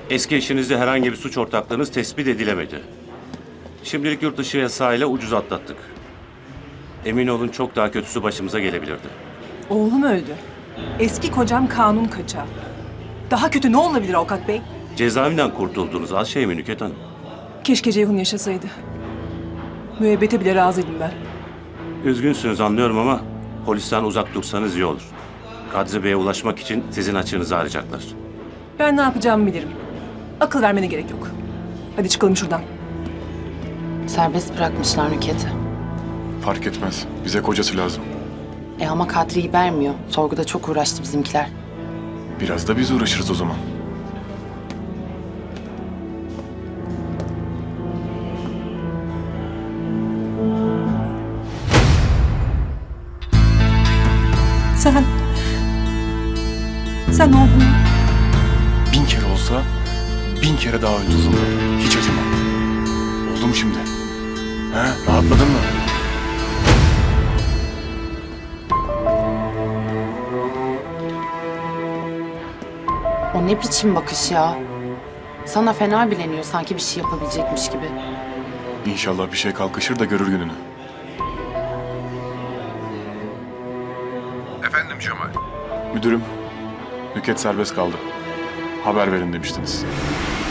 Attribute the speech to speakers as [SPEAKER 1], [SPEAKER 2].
[SPEAKER 1] Eski eşinizde herhangi bir suç ortaklığınız tespit edilemedi. Şimdilik yurt dışı yasağıyla ucuz atlattık. Emin olun çok daha kötüsü başımıza gelebilirdi.
[SPEAKER 2] Oğlum öldü. Eski kocam kanun kaçağı. Daha kötü ne olabilir avukat bey?
[SPEAKER 1] Cezaevinden kurtuldunuz. Az şey mi Nükhet Hanım?
[SPEAKER 2] Keşke Ceyhun yaşasaydı. Müebbete bile razıydım ben.
[SPEAKER 1] Üzgünsünüz anlıyorum ama polisten uzak dursanız iyi olur. Kadri Bey'e ulaşmak için sizin açığınızı arayacaklar.
[SPEAKER 2] Ben ne yapacağımı bilirim. Akıl vermene gerek yok. Hadi çıkalım şuradan.
[SPEAKER 3] Serbest bırakmışlar Nükhet'i.
[SPEAKER 4] Fark etmez. Bize kocası lazım.
[SPEAKER 3] Ama Kadri'yi vermiyor. Sorguda çok uğraştı bizimkiler.
[SPEAKER 4] Biraz da biz uğraşırız o zaman.
[SPEAKER 2] Sen oğlum.
[SPEAKER 4] 1000 kere olsa 1000 kere daha öldürürüm. Hiç acımam. Oldu mu şimdi? He? Rahatladın mı?
[SPEAKER 3] O ne biçim bakış ya? Sana fena bileniyor sanki bir şey yapabilecekmiş gibi.
[SPEAKER 4] İnşallah bir şey kalkışır da görür gününü.
[SPEAKER 5] Efendim Cemal.
[SPEAKER 4] Müdürüm, Nükhet serbest kaldı. Haber verin demiştiniz.